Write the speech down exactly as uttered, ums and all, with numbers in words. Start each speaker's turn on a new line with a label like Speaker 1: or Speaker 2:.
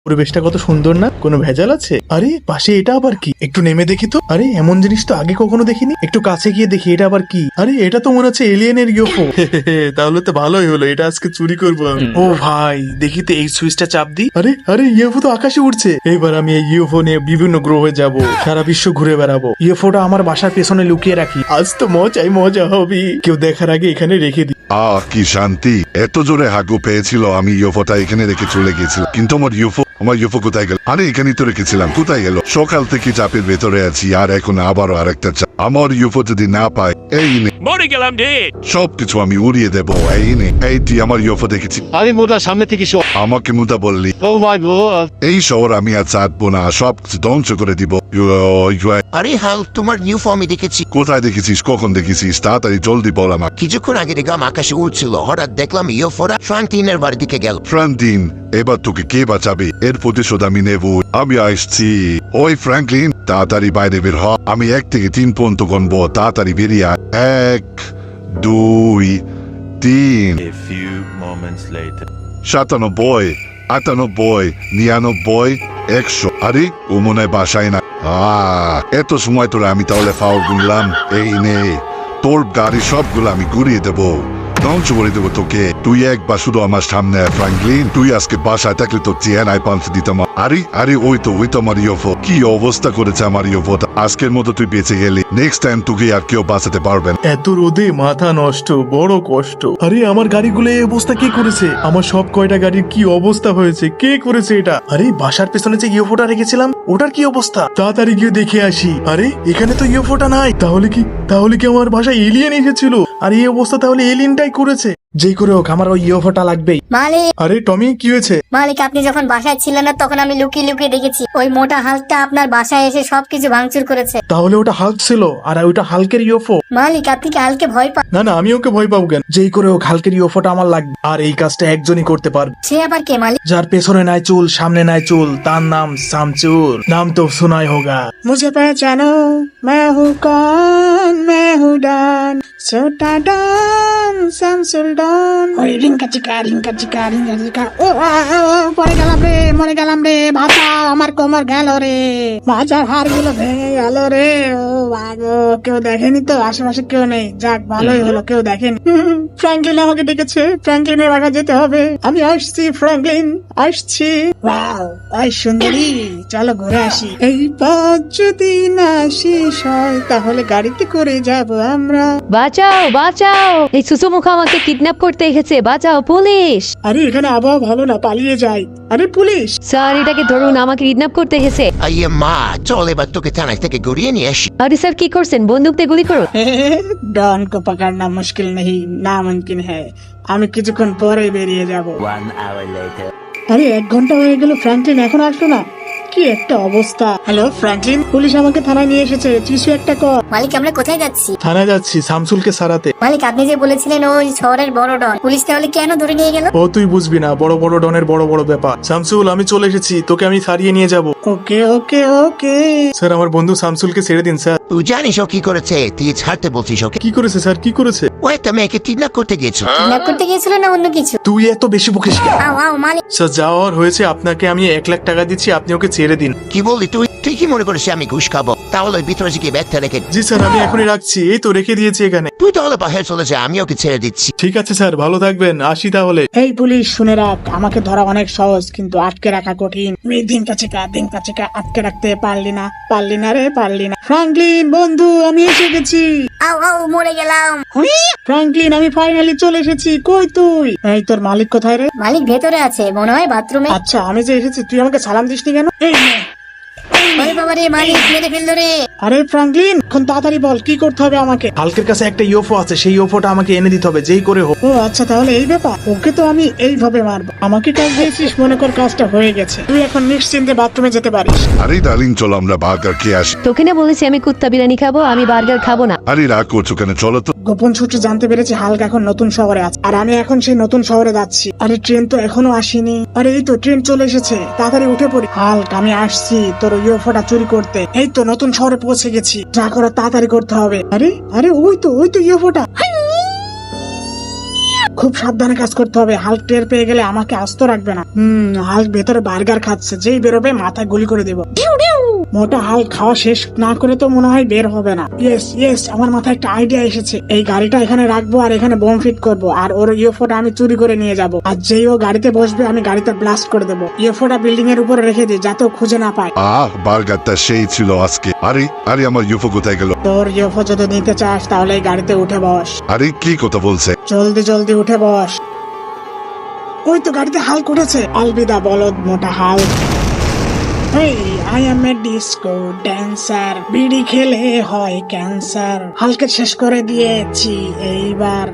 Speaker 1: পরিবেশটা কত সুন্দর না, কোনো ভেজাল আছে? আরে পাশে এটা আবার কি? একটু নেমে দেখি তো। আরে এমন জিনিস তো আগে কখনো দেখিনি, একটু কাছে গিয়ে দেখি এটা আবার কি। আরে এটা তো মনে হচ্ছে এলিয়েনের ইউএফও। তাহলে তো ভালোই হলো, এটা আজকে চুরি করবো আমি। ও ভাই দেখি তো, এই সুইচটা চাপ দিই। আরে আরে ইউএফও তো আকাশে উঠছে। এবার আমি এই ইউএফও নিয়ে বিভিন্ন গ্রহে যাব, সারা বিশ্ব ঘুরে বেড়াবো। ইউএফওটা আমার বাসার পেছনে লুকিয়ে রাখি, আজ তো মজাই মজা হবে। কেউ দেখার আগে এখানে রেখে দিই।
Speaker 2: আহ কি শান্তি, এত জোরে হাগু পেয়েছিল, আমি ইউএফওটা এখানে রেখে চলে গেছিলাম, কিন্তু আমার ইউএফও আমার ইউএফও কোথায় গেল? আরে এখানেই তো রেখেছিলাম, কোথায় গেল? সকাল থেকে চাপের ভেতরে আছি, আর এখন আবারও আরেকটা চাপ। আমার ইউএফও যদি না পাই, এই নে
Speaker 3: মরে গেলাম রে।
Speaker 2: সবকিছু আমি উড়িয়ে দেবো। এই নে, এই তুই আমার ইউএফও দেখেছি?
Speaker 4: আরে মোটা সামনে থেকে সো।
Speaker 2: আমাকে মুদা বললি?
Speaker 4: Oh my god.
Speaker 2: এই শহর আমি আর চাটবো না, সব কিছু ধ্বংস করে দিব।
Speaker 5: আরে হাল, তোমার নিউ ফর্মে দেখেছি।
Speaker 2: কোথায় দেখেছিস? কখন দেখেছিস? তাড়াতাড়ি জলদি বল আমাকে।
Speaker 5: কিছুক্ষণ আগে দেখলাম আকাশে উঠছিল, হঠাৎ দেখলাম ইউএফওরা ফ্রাঙ্কলিনের বাড়ির দিকে গেল।
Speaker 2: ফ্রাঙ্কলিন, এবার তোকে কে বাঁচাবে? এর প্রতিশোধ আমি নেব। আমি আসছি। ওই ফ্রাঙ্কলিন, তাড়াতাড়ি বাইরে বের হ। আমি এক থেকে তিন পর্যন্ত গণবো, তাড়াতাড়ি বেরিয়ে আয়। এক, দুই, তিন।
Speaker 3: A few moments later.
Speaker 2: সাতানব্বই, আটানব্বই, নিরানব্বই, একশো। আরে ও মনে হয় বাসায় না। আহ এত সময় তোরা আমি তাহলে ফাউল গুনলাম। এই নে, তোর গাড়ি সবগুলো আমি ঘুরিয়ে দেবো, ধ্বংস করে দেবো তোকে। তুই একবার শুধু আমার সামনে ফ্রাঙ্কলিন, তুই আজকে বাসায় থাকলে তোর চেহারায় পাঞ্চ দিতাম। আরে আরে ওই তো ওই তো আমার ইউএফও। কি অবস্থা করেছে আমার ইউএফও। আজকের মতো তুই বেঁচে গেলি, নেক্সট টাইম তোকে আর কেউ বাঁচাতে পারবেন।
Speaker 1: এত রোদে মাথা নষ্ট, বড় কষ্ট। আরে আমার গাড়িগুলো এই অবস্থা কে করেছে? আমার সব কয়টা গাড়ির কি অবস্থা হয়েছে? কে করেছে এটা? আরে বাসার পেছনে যে ইউএফওটা রেখেছিলাম, ওটার কি অবস্থা? তাড়াতাড়ি গিয়ে দেখে আসি। আরে এখানে তো ইউএফওটা নাই। তাহলে কি তাহলে কি আমার বাসায় এলিয়েন এসেছিল? আর এই অবস্থা তাহলে এলিয়েনটাই করেছে। যেই করে হোক আমার ওই ইউএফওটা লাগবেই।
Speaker 6: মালিক,
Speaker 1: আরে টমি কি হয়েছে?
Speaker 6: মালিক আপনি যখন বাসায় ছিলেন না, তখন আমি লুকিয়ে লুকিয়ে দেখেছি ওই মোটা হালকটা আপনার বাসায় এসে সবকিছু ভাঙচুর করেছে।
Speaker 1: তাহলে ওটা হাল্ক ছিল, আর ওইটা হালকের ইউএফও।
Speaker 6: মালিক আপনি কি হালকে ভয় পান?
Speaker 1: না না, আমি ওকে ভয় পাবো কেন? যেই করে হোক হালকের ইউএফওটা আমার লাগবে। আর এই কাজটা একজনই করতে পারবে।
Speaker 6: সে আবার কে মালিক?
Speaker 1: যার পেছনে নাই চুল, সামনে নাই চুল, তার নাম শামচুর। নাম তো শোনাই হোগা।
Speaker 7: मुझे पहचानो, मैं हूँ कौन, मैं हूँ डॉन, छोटा डॉन, শামসুল ডন। ওই রিঙ্কা চিকা রিঙ্কা চিকা রিঙ্কা চিকা। ও আ, ও, পড়ে গেলাম রে, মরে গেলাম রে, বাঁচাও, আমার কোমর গেল রে, মাজার হাড় গুলো ভেঙে গেল রে। ও বাগো, কেউ দেখেনি তো? আশেপাশে কেউ নেই, যাক ভালোই হলো কেউ দেখেনি। ফ্র্যাঙ্কলিন আমাকে ডেকেছে, ফ্র্যাঙ্কলিনের বাসা যেতে হবে। আমি আসছি ফ্র্যাঙ্কলিন, আসছি। ওয়াও, ওই সুন্দরী, চলো ঘুরে আসি। এই পথ যদি না শেষ হয়, তাহলে গাড়িতে করে যাব আমরা।
Speaker 8: বাঁচাও বাঁচাও, এই সুসুমুখা আমাকে কিডন্যাপ করতে এসেছে, বাঁচাও পুলিশ।
Speaker 7: আরে এখানে আবহাওয়া ভালো না, পালিয়ে যাই। আরে পুলিশ!
Speaker 8: স্যার এটাকে ধরুন, আমাকে কিডন্যাপ করতে এসেছে।
Speaker 5: আইয়ে মা, চল এবার তোকে থানায় থেকে ঘুরিয়ে নিয়ে আসি।
Speaker 8: আরে স্যার কি করছেন? বন্দুক দিয়ে গুলি করুন।
Speaker 7: ডন কো পকড়না মুশকিল নেই, নামুমকিন হ্যায়। আমি কিছুক্ষণ পরে বেরিয়ে যাব।
Speaker 3: One hour later.
Speaker 7: আরে এক ঘন্টা হয়ে গেল, ফ্র্যাঙ্কলিন এখন আসলো না। কি একটা অবস্থা। হ্যালো ফ্র্যাঙ্কলিন, পুলিশ আমাকে থানায় নিয়ে এসেছে, কিছু একটা কর।
Speaker 6: মালিক আমরা কোথায় যাচ্ছি?
Speaker 1: থানায় যাচ্ছি শামসুলকে সারাতে।
Speaker 6: মালিক আপনি যে বলেছিলেন ওই শহরের বড় ডন, পুলিশ তাহলে কেন ধরে নিয়ে গেল?
Speaker 1: ও তুই বুঝবি না, বড় বড় ডনের বড় বড় ব্যাপার। শামসুল আমি চলে এসেছি, তোকে আমি সারিয়ে নিয়ে যাব।
Speaker 7: ওকে ওকে ওকে।
Speaker 1: স্যার আমার বন্ধু শামসুলকে ছেড়ে দিন স্যার।
Speaker 5: তুই জানিস ও কি করেছে? তুই ছাড়তে বলছিস ওকে?
Speaker 1: কি করেছে স্যার, কি করেছে?
Speaker 5: ও একটা মেয়েকে কিডন্যাপ করতে গিয়েছিল।
Speaker 6: কিডন্যাপ করতে গিয়েছিল না অন্য কিছু?
Speaker 1: তুই এত বেশি বকিস কেন?
Speaker 6: আও আও মালিক।
Speaker 1: স্যার যাওয়ার হয়েছে, আপনাকে আমি এক লাখ টাকা দিচ্ছি, আপনি ওকে ছেড়ে দিন।
Speaker 5: কি বললি তুই? তুই কি মনে করিস আমি ঘুষ খাবো? তাহলে ওই ভিতরে গিয়ে ব্যাগটা রেখে।
Speaker 1: জি স্যার আমি এখনই রাখছি, এই তো রেখে দিয়েছি এখানে।
Speaker 5: তুই তাহলে বাহির চলে যা, আমি ওকে ছেড়ে দিচ্ছি।
Speaker 1: ঠিক আছে স্যার, ভালো থাকবেন, আসি তাহলে।
Speaker 7: এই পুলিশ শুনে রাখ, আমাকে ধরা অনেক সহজ, কিন্তু আটকে রাখা কঠিন। মেয়ে দিন কাছে কা দিন কাছে কা আটকে রাখতে পারলি না, পারলি না রে, পারলি না। ফ্র্যাঙ্কলিন বন্ধু, আমি এসে গেছি।
Speaker 6: আও আও মরে গেলাম।
Speaker 7: ফ্র্যাঙ্কলিন আমি ফাইনালি চলে এসেছি। কই তুই? এই তোর মালিক কোথায় রে?
Speaker 6: মালিক ভেতরে আছে, মনে হয় বাথরুমে।
Speaker 7: আচ্ছা আমি যে এসেছি, তুই আমাকে সালাম দিসনি কেন? এই নে।
Speaker 6: আরে বাবা রে, মালিক মেরে ফেললো রে।
Speaker 7: আরে ফ্র্যাঙ্কলিন, এখন তাড়াতাড়ি বল কি করতে হবে আমাকে।
Speaker 1: হালকের কাছে একটা ইউএফও আছে, সেই ইউএফওটা আমাকে এনে দিতে হবে, যেই করে হোক।
Speaker 7: ও আচ্ছা, তাহলে এই ব্যাপার। ওকে তো আমি এইভাবে মারবো। আমাকে কাজ দিয়েছিস, মনে কর কাজটা হয়ে গেছে। তুই এখন নিশ্চিন্তে বাথরুমে যেতে পারিস।
Speaker 2: আরে ডার্লিং, চলো আমরা বার্গার খেয়ে আসি।
Speaker 8: তোকে না বলেছি আমি কুত্তা বিরিয়ানি খাবো, আমি বার্গার খাবো না।
Speaker 2: আরে রাগ করছো কেন? চলো তো।
Speaker 7: গোপন সূত্রে জানতে পেরেছি হালকা এখন নতুন শহরে আছে, আর আমি এখন সেই নতুন শহরে যাচ্ছি। আরে ট্রেন তো এখনো আসেনি। আরে এই তো ট্রেন চলে এসেছে, তাড়াতাড়ি উঠে পড়ি। হালক আমি আসছি তোর ইউএফওটা চুরি করতে। এই তো নতুন শহরে পৌঁছে গেছি, যা করার তাড়াতাড়ি করতে হবে। আরে আরে ওই তো ওই তো ইউএফওটা। খুব সাবধানে কাজ করতে হবে, হাল্ক টের পেয়ে গেলে আমাকে আস্ত রাখবে না। হুম হাল্ক ভেতরে বার্গার খাচ্ছে, যেই বেরোবে মাথায় গুলি করে দেবো। মোটা হাল্ক খাওয়া শেষ না করে তো মনে হয় বের হবে না। ইয়েস ইয়েস, আমার মাথায় একটা আইডিয়া এসেছে। এই গাড়িটা এখানে রাখবো আর এখানে বোম ফিট করব, আর ওর ইউএফওটা আমি চুরি করে নিয়ে যাব, আর যেই ও গাড়িতে বসবে আমি গাড়িতে ব্লাস্ট করে দেবো। ইউএফওটা বিল্ডিং এর উপরে রেখে দিই যাতে ও খুঁজে না পায়।
Speaker 2: আহ বার্গারটা সেই ছিল আজকে। আরে আরে আমার ইউফো কোথায় গেল?
Speaker 7: তোর ইউএফও যদি নিতে চাস তাহলে এই গাড়িতে উঠে বস।
Speaker 2: আরে কি কথা বলছে?
Speaker 7: জলদি জলদি উঠে বস। ওই তো গাড়িতে হাল্ক উঠেছে। আলবিদা বলদ মোটা হাল্ক। এই I am a disco dancer, বিড়ি খেলে হয় ক্যান্সার। হালকে শেষ করে দিয়েছি এইবার।